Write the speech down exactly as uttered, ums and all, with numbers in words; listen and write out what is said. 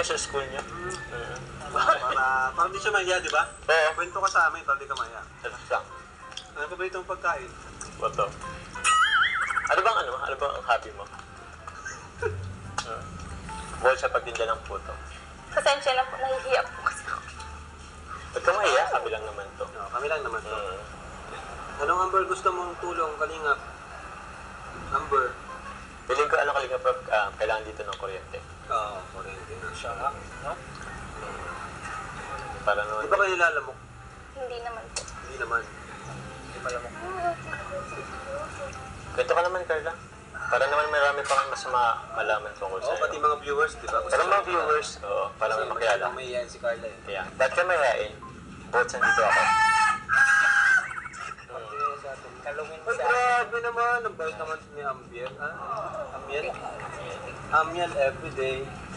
kayo sa school niyo. Mm. Para, para di siya mahiya, di ba? Oo. Kwento ka sa amin, para di ka mahiya. Tapos lang. Ano pa ba itong pagkain? Bato. Ano bang ano? Ano bang ang hobby mo? Uh, Bukod sa pagtinda ng puto. Pasensya na po, nahihiya po kasi ako. Ba't ka mahiya? Kami lang naman to. No, kami lang naman to. Mm. Anong Amber gusto mong tulong, kalingap? Amber. Piling ko ano kalinga prof, ah, kailangan dito ng kuryente. Oo, oh, kurente na siya. No? Para Di noon. ba kayo nilalamok? Hindi naman po. Hindi naman. Hindi pa lamok. Kwento ka naman, Carla. Para naman marami pang mas ma malaman tungkol Oo, sa'yo. pati mga viewers, di ba? Para mga viewers, oo, para may makilala. May yan si Carla eh. Kaya, ba't ka mayayain? Bukod sa dito ako. Kalungin sa akin. Grabe naman, ang bait naman ni Ambiel. Ah, Ambiel? Ambiel everyday.